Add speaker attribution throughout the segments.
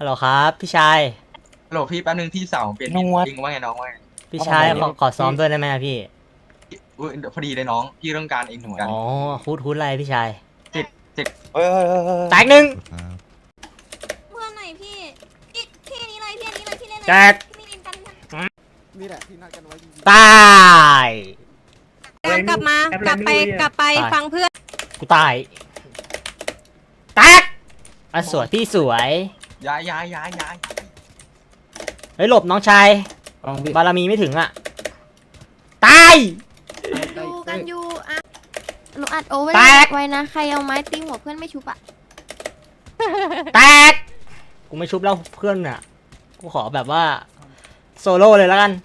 Speaker 1: ฮัลโหลครับพี่ชาย
Speaker 2: ฮัลโหลพี่แป๊บนึงพี่สาวเปลี่ยน
Speaker 3: นวด
Speaker 2: จริงว่าไงน้องว่าไง
Speaker 1: พี่ชายขอซ้อมด้วยได้ไหมอะพี่
Speaker 2: อุ๊ยเดี๋ยวพอดีเลยน้องพี่ต้องการเองเหมือนกัน
Speaker 1: อ๋อฮูดอะไรพี่ชาย
Speaker 2: ติด
Speaker 3: เฮ้ย
Speaker 1: แตกหนึ่ง
Speaker 4: เพื่อนไหนพี่พี่นี้เลยพี่นี้เลยพี่เล่นเลย
Speaker 1: แตก
Speaker 4: พี่เล่นกัน
Speaker 5: นี่แหละที่นัดกันไว้จริง
Speaker 1: ตาย
Speaker 4: กลับมากลับไปฟังเพื่อน
Speaker 1: กูตายแตกอ่ะสวยพี่สวย
Speaker 2: ย้าย
Speaker 1: เฮ้ยหลบน้องชาย
Speaker 3: ลองพี่
Speaker 1: บารมีไม่ถึงอ่ะตาย
Speaker 4: ดูกันอยู่อ่ะหนูอัดโอเวอ
Speaker 1: แตก
Speaker 4: ร์ไว้นะใครเอาไม้ตีหัวเพื่อนไม่ชุบอ่ะ
Speaker 1: แตกกูไม่ชุบแล้วเพื่อนอ่ะกูขอแบบว่าโซโล่เลยแล้วกัน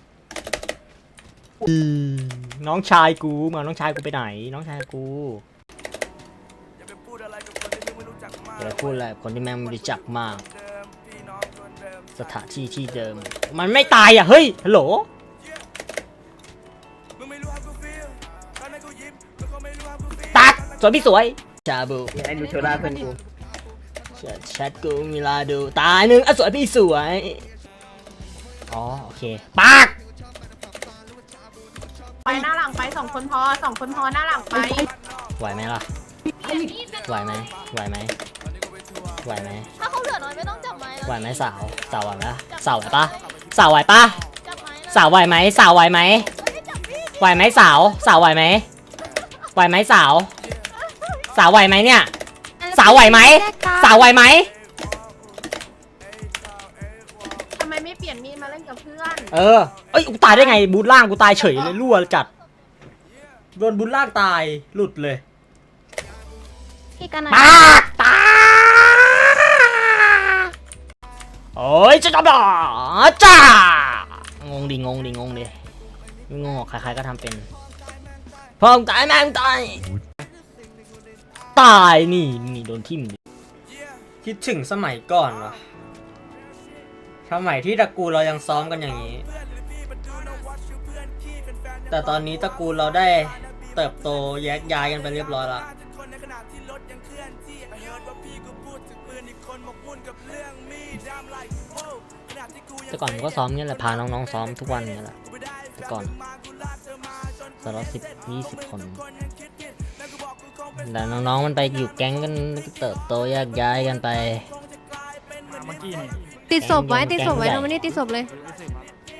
Speaker 1: น้องชายกูมาน้องชายกูไปไหนน้องชายกูอย่าไปพูดอะไรกับคนที่แม่งไม่รู้จักมากสถานที่ที่เดิมมันไม่ตายอ่ะเฮ้ยฮัลโหลตัดสวยพี่สวยชาบู
Speaker 3: ไอ้นูเชล่าเพื่อนกู
Speaker 1: แชทกูมีลาดูตายหนึ่งอ่ะสวยพี่สวยอ๋อโอเคปาก
Speaker 6: ไปหน้าหลังไป2 คนพอ2 คนพอหน้าหลังไป
Speaker 1: ไหวไหมล่ะไหวไหมไหวไหมไหวไหม
Speaker 4: ถ้าเขาเหลือน้อยไม่ต้องจับไม้
Speaker 1: ไหวไหมสาวไหวไหมสาวไหวปะสาวไหวปะ
Speaker 4: จับไม้
Speaker 1: สาวไหวไหมสาวไหวไหมไหวไหมสาวไหวไหมไหวไหมสาวไหวไหมเนี่ยสาวไหวไหมสาวไหวไหม
Speaker 6: ทำไมไม่เปลี่ยนมีดมาเล่นกับเพื่อน
Speaker 1: เอ้ยกูตายได้ไงบูทล่างกูตายเฉยเลยรั่วจัดโดนบูทล่างตายหลุดเลย
Speaker 4: พี่กันนะ
Speaker 1: ปากตาโอ้ยจะจับดอจ้างงดิไม่งงหรอกใครๆก็ทำเป็นพอมึงตายแม่งตายนี่โดนทิ่มคิดถึงสมัยก่อนวะสมัยที่ตระกูลเรายังซ้อมกันอย่างนี้แต่ตอนนี้ตระกูลเราได้เติบโตแยกย้ายกันไปเรียบร้อยแล้วแต่ก่อนผมก็ซ้อมเนี่ยแหละพาน้องๆซ้อมทุกวันเนี่ยแหละแต่ก่อนสล็อต10-20 คนแต่น้องๆมันไปอยู่แก๊งกันเติบโตแยกย้ายกันไป
Speaker 4: ติดศพไว้เราไม่ได้ติดศพเลย